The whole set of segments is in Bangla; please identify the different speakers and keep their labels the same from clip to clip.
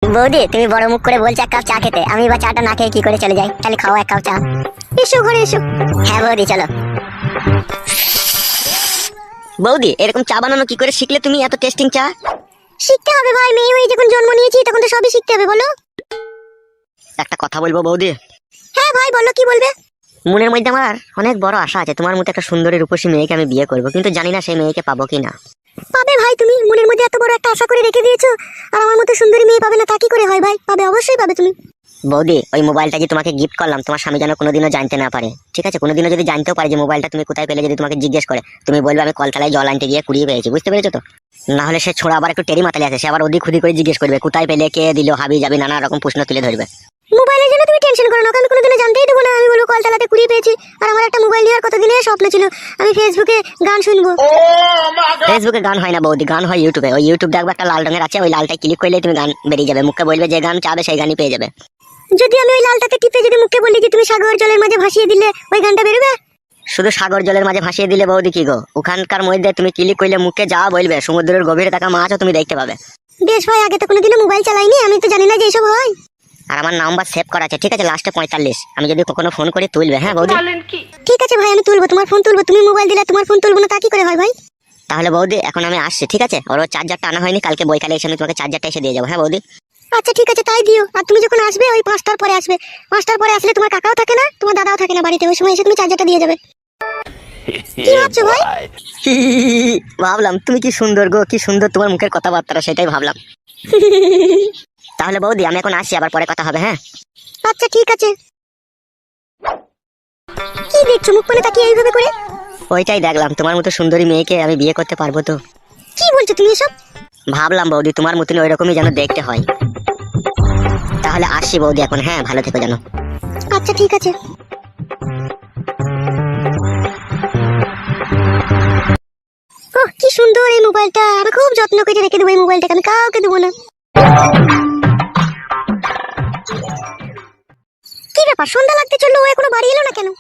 Speaker 1: বৌদি তুমি বড় মুখ করে বলছো এক কাপ চা খেতে, আমি বা চাটা না খেয়ে কি করে চলে যাই? তাহলে খাও এক কাপ চা। এসো ঘরে এসো। হ্যাঁ বৌদি চলো। বৌদি এরকম চা বানানো কি করে শিখলে তুমি, এত টেস্টিং চা? শিখতে হবে ভাই, মেয়ে হয়ে যখন জন্ম নিয়েছি তখন তো সবই শিখতে হবে। বলো। একটা কথা বলবো বৌদি? হ্যাঁ ভাই বলো, কি বলবে? মনের মধ্যে আমার অনেক বড় আশা আছে, তোমার মতো একটা সুন্দরী রূপসী মেয়েকে আমি বিয়ে করবো, কিন্তু জানি না সেই মেয়েকে পাবো কিনা। পাবে ভাই, তুমি মনের মধ্যে এত বড় একটা আশা করে রেখে দিয়েছো, আর আমার মতো সুন্দরী মেয়ে পাবে না তা কি করে হয় ভাই? পাবে, অবশ্যই পাবে তুমি। বৌদি ওই মোবাইলটা যে তোমাকে গিফট করলাম, তোমার স্বামী যেন কোনোদিনও জানতে না পারে, ঠিক আছে? কোনোদিনও যদি জানতেও পারে যে মোবাইলটা তুমি কোথায় পেলে, যদি তোমাকে জিজ্ঞেস করে, তুমি বলবে আমি কলতলায় জল আনতে গিয়ে কুড়িয়ে পেয়েছি। বুঝতে পেরেছো তো? না হলে সে ছোড়া আবার একটু টেরি মাতালে আছে, সে আবার ওদিক খুদি করে জিজ্ঞেস করবে কোথায় পেলে, কে দিল, হাবি যাবি, নানা রকম প্রশ্ন তুলে ধরবে। মোবাইলের জন্য তুমি টেনশন করো না, আমি কোনোদিনও জানতেই দেবো না। আমি বলবো কলতলাতে কুড়িয়ে পেয়েছি। আর আমার একটা মোবাইল নেওয়ার কতদিনের স্বপ্ন ছিল, আমি ফেসবুকে গান শুনবো। ফেসবুকে গান হয় না বৌদি, গান হয় ইউটিউবে। ওই ইউটিউব দেখবে একটা লাল রঙের আছে, ওই লালটায় ক্লিক করলে তুমি গান বেরিয়ে যাবে, মুখে বলবে যে গান চাবে সেই গানই পেয়ে যাবে। যদি আমি ওই লালটাতে টিপে যদি মুখে বলি যে তুমি সাগর জলের মাঝে ভাসিয়ে দিলে, ওই গানটা বেরোবে? শুধু সাগর জলের মাঝে ভাসিয়ে দিলে বৌদি কি গো, ওখানকার মধ্যে তুমি ক্লিক করলে মুখে যা বলবে সমুদ্রের গভীরে থাকা মাছও তুমি দেখতে পাবে। বেশ ভাই, আগে তো কোনোদিনও মোবাইল চালাইনি, আমি তো জানি না যে এইসব হয়। আর আমার নাম্বার সেভ করা আছে, ঠিক আছে? লাস্টে 45। আমি যদি কখনো ফোন করি তুলবে, হ্যাঁ বৌদি? ঠিক আছে ভাই, আমি তুলবো, তোমার ফোন তুলবো। তুমি মোবাইল দিলে তোমার ফোন তুলবো না তা কি করে হয় ভাই? তাহলে বৌদি এখন আমি আসছি, ঠিক আছে? ওর চার্জারটা আনা হয়নি, কালকে বইকালে এসে আমি তোমাকে চার্জারটা এসে দিয়ে যাবো, হ্যাঁ বৌদি? আচ্ছা ঠিক আছে, তাই দিও। আর তুমি যখন আসবে ওই 5টার পরে আসবে। 5টার পরে আসলে তোমার কাকাও থাকে না, তোমার দাদাও থাকে না বাড়িতে, ওই সময় এসে তুমি চার্জারটা দিয়ে যাবে। কি ভাবছো ভাই? ভাবলাম তুমি কি সুন্দর গো, কি সুন্দর তোমার মুখের কথাবার্তা, সেটাই ভাবলাম। তাহলে বৌদি আমি এখন আসি, আবার পরে কথা হবে, হ্যাঁ? আচ্ছা ঠিক আছে। কি দেখছো মুখ মানে তাকিয়ে এইভাবে করে? ওইটাই দেখলাম, তোমার মতো সুন্দরী মেয়েকে আমি বিয়ে করতে পারবো তো? কি বলছো তুমি এসব? ভাবলাম বৌদি তোমার মতন ওই রকমই যেন দেখতে হয়। তাহলে আসি বৌদি এখন, হ্যাঁ? ভালো থেকো যেন। আচ্ছা ঠিক আছে। ওহ কি সুন্দর এই মোবাইলটা, আমি খুব যত্ন করে রেখে দেবো এই মোবাইলটাকে, আমি কাউকে দেবো না। কি ব্যাপার, সন্ধ্যা লাগতে চললো, ও এখনো বাড়ি এলো না কেন?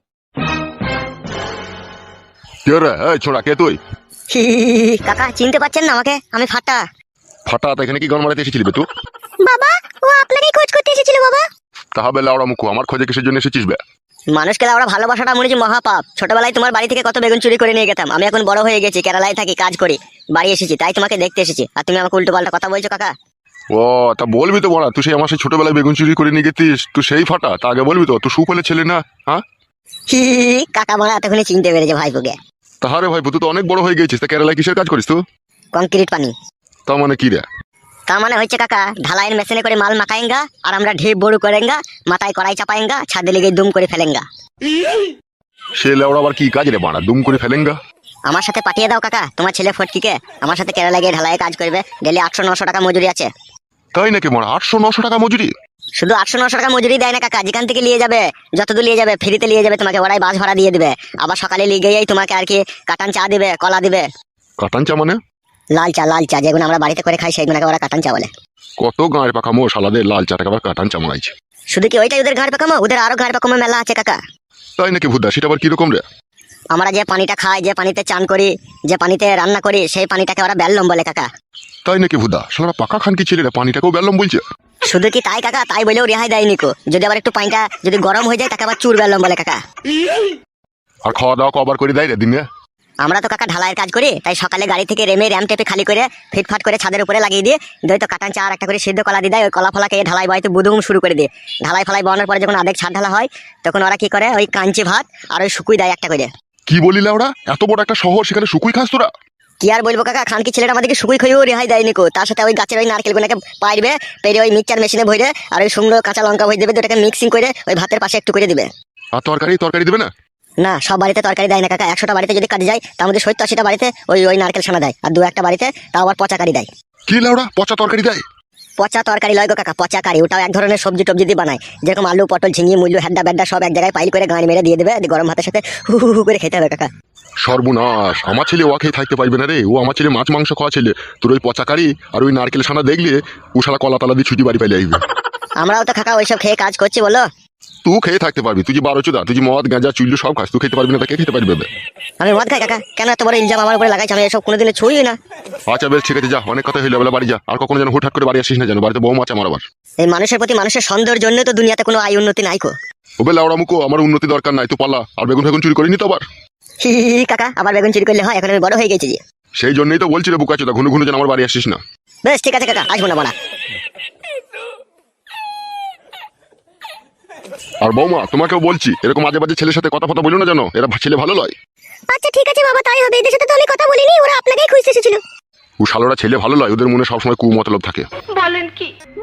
Speaker 2: কে রে? এই ছোড়া, কে তুই?
Speaker 1: কাকা চিনতে পারছেন না আমাকে? আমি ফাটা।
Speaker 2: ফাটা? এখানে কি গান মারাতে এসেছিলি বে তুই?
Speaker 1: বাবা ও আপনারই খোঁজ করতে এসেছিল বাবা।
Speaker 2: তাহলে লাউড়া মুখো, আমার খোঁজে কিসের জন্য এসেছিস বে?
Speaker 1: মানুষকে আমরা ভালোবাসাটা মনে হচ্ছে মহাপাপ। ছোটবেলায় তোমার বাড়ি থেকে কত বেগুন চুরি করে নিয়ে গেতাম, আমি এখন বড় হয়ে গেছি, কেরালায় থাকি, কাজ করি, বাড়ি এসেছি, তাই তোমাকে দেখতে এসেছি, আর তুমি আমাকে উল্টো পাল্টা কথা বলছো কাকা।
Speaker 2: ও তা বলবি তো বড়া, তুই সেই আমার সেই ছোটবেলায় বেগুন চুরি করে নিয়ে গেছিস, তুই সেই ফাটা, তা আগে বলবি তো, তুই সুফলে ছেলে না? হ্যাঁ
Speaker 1: কাকা মারা এতক্ষণে চিনতে পেরেছে ভাইপোকে।
Speaker 2: তাহারে ভাই, তুই তো অনেক বড় হয়ে গেছিস, তা কেরালায় কিসের কাজ করিস তুই?
Speaker 1: কংক্রিট পানি।
Speaker 2: তা মানে কি রে?
Speaker 1: তার মানে হচ্ছে কাকা, ঢালাইয়ের মেশিনে করে মাল মাখায়েঙ্গা, আর আমরা ঢেপ বড় করেঙ্গা, মাথায় কড়াই চাপায়েঙ্গা, ছাদে লেগে দুম করে ফেলেঙ্গা।
Speaker 2: সে লেওড়া আবার কি কাজ রে বাড়া, দুম করে ফেলেঙ্গা?
Speaker 1: আমার সাথে পাঠিয়ে দাও কাকা তোমার ছেলে ফটকিকে, আমার সাথে কেরালা গিয়ে ঢালাইয়ে কাজ করবে, ডেলি 800-900 টাকা মজুরি আছে।
Speaker 2: তাই নাকি মারা? 800-900 টাকা মজুরি?
Speaker 1: শুধু 800-900 টাকা মজুরি দেয় না কাকা, যেখান থেকে নিয়ে যাবে, যতদূর নিয়ে যাবে ফ্রিতে নিয়ে যাবে তোমাকে, ওরাই বাস ভাড়া দিয়ে দিবে, আবার সকালে নিয়ে গিয়েই তোমাকে আর কি কাটান চা দিবে, কলা দিবে।
Speaker 2: কাটান চা মানে?
Speaker 1: লাল চা যেগুলো আমরা বাড়িতে করে খাই সেগুলোকে ওরা কাটান চা বলে।
Speaker 2: কত গাঁয়ের পাকামো শালাদের লাল চাটাকে আবার কাটান চা মারাইছে।
Speaker 1: শুধু কি ওইটাই ওদের ঘাড় পাকামো? ওদের আরো ঘাড় পাকামো মেলা আছে কাকা।
Speaker 2: তাই নাকি ভুদা? সেটা আবার কিরকম রে?
Speaker 1: আমরা যে পানিটা খাই, যে পানিতে চান করি, যে পানিতে রান্না করি, সেই পানিটাকে ওরা বেল্লম বলে কাকা।
Speaker 2: তাই নাকি ভুদা? শালারা পাকা খান কি ছেলেরা পানিটাকেও বেললাম বলছে?
Speaker 1: শুধু কি তাই কাকা, তাই বলেও রেহাই দেয়নি কো, যদি আবার একটু পানিটা যদি গরম হয়ে যায় তাকে আবার চুর বেল্লম বলে কাকা।
Speaker 2: আর খাওয়া দাওয়া কবার করে দেয় রে দিনে?
Speaker 1: আমরা তো কাকা ঢালাইয়ের কাজ করি, তাই সকালে গাড়ি থেকে রেমে র্যাম টেপে খালি করে ফিটফাট করে ছাদের উপরে লাগিয়ে দিয়ে তো কাটান চা আর একটা করে সিদ্ধ কলা দিয়ে দেয়, ওই কলা ফলাকে ঢালাই বাড়িতে বুদুম শুরু করে দিয়ে, ঢালাই ফলাই বানানোর পরে যখন আধেক ছাদ ঢালা হয় তখন ওরা কি করে, ওই কাঞ্চি ভাত আর ওই শুকুই দেয় একটা করে।
Speaker 2: কি বলিলে ওরা? এত বড় একটা শহর, সেখানে শুকুই খাস তোরা?
Speaker 1: কি আর বলবো কাকা, খানকি ছেলেটা আমাদেরকে শুকুই খেয়েও রেহাই দেয়নি কো, তার সাথে ওই গাছের ওই নারকেলগুলোকে পাইবে, পেরে ওই মিক্সচার মেশিনে ভরে আর ওই সুন্দর কাঁচা লঙ্কা ভরে দেবে, দুটাকে মিক্সিং করে ওই ভাতের পাশে একটু করে দিবে।
Speaker 2: আর তরকারি দেবে না?
Speaker 1: না, সব বাড়িতে তরকারি দেয় না কাকা, 100টা বাড়িতে যদি কাজে যায় তার মধ্যে 70-80টা বাড়িতে ওই নারকেল ছানা দেয়, আর 2-1টা বাড়িতে তাও আবার পচা কারি দেয়।
Speaker 2: কি লাউড়া, পচা তরকারি দেয়?
Speaker 1: পচা তরকারি লয় গো কাকা, পচা কারি, ওটাও এক ধরনের সবজি টবজি দিয়ে বানায়, যেরকম আলু পটল ঝিঙে মুল্লু হেড্ডা বেড্ডা সব এক জায়গায় পাইল করে গাঁড়ি মেরে দিয়ে দেবে, গরম ভাতের সাথে হু হু করে খেতে হবে কাকা।
Speaker 2: সর্বনাশ, আমার ছেলে ওয়া খেয়ে থাকতে পারবে না রে, ও আমার ছেলে মাছ মাংস খাওয়া ছেলে, তোর ওই পচা কারি আর ওই নারকেল ছানা দেখলে ও শালা কলা তালা দিয়ে ছুটি বাড়ি পাইলে আসবে।
Speaker 1: আমরাও তো কাকা ওইসব খেয়ে কাজ করছি বলো।
Speaker 2: তুই খেয়ে থাকতে পারবি, তুই যে 12 চোদা, তুই যে মদ গাঁজা চুল্লু সব খাস, তুই খেতে পারবি না, তাকে খেতে পারবি বে?
Speaker 1: আমি মদ খাই কাকা, কেন এত বড় ইলজাম আমার উপরে লাগাইছ? আমি এসব কোনোদিনও ছুঁই না।
Speaker 2: আচ্ছা বেশ ঠিক আছে, যা, অনেক কথা হইলো, বেলা বাড়ি যা। আর কখনো যেন হুটহাট করে বাড়ি আসিস না, যেন বাড়িতে বউ আছে আমার আবার।
Speaker 1: এই মানুষের প্রতি মানুষের সন্দেহের জন্য তো দুনিয়াতে কোনো আয় উন্নতি নাই কো।
Speaker 2: ওবে লাউড়া মুখো, আমার উন্নতি দরকার নাই, তুই পালা। আর বেগুন ফেগুন চুরি করিনি তো আবার?
Speaker 1: হি হি হি, কাকা আবার বেগুন চুরি করলে হয়? এখন আমি বড় হয়ে গেছি যে।
Speaker 2: সেই জন্যই তো বলছি রে বুকা চোদা, ঘুনু ঘুনু যেন আমার বাড়ি আসিস না।
Speaker 1: বেশ ঠিক আছে কাকা, আসবো না বলা।
Speaker 2: আর বৌমা, তোমাকেও বলছি, এরকম আজে বাজে ছেলের সাথে কথা বলো না, জানো এরা ছেলে ভালো লয়।
Speaker 1: আচ্ছা ঠিক আছে বাবা, তাই হবে। এদের সাথে তো আমি কথা বলিনি, ওরা আপনাকেই খুঁজতে এসেছিল।
Speaker 2: ও শালোরা ছেলে ভালো লয়, ওদের মনে সবসময় কুমতলব থাকে।
Speaker 3: বলেন কি?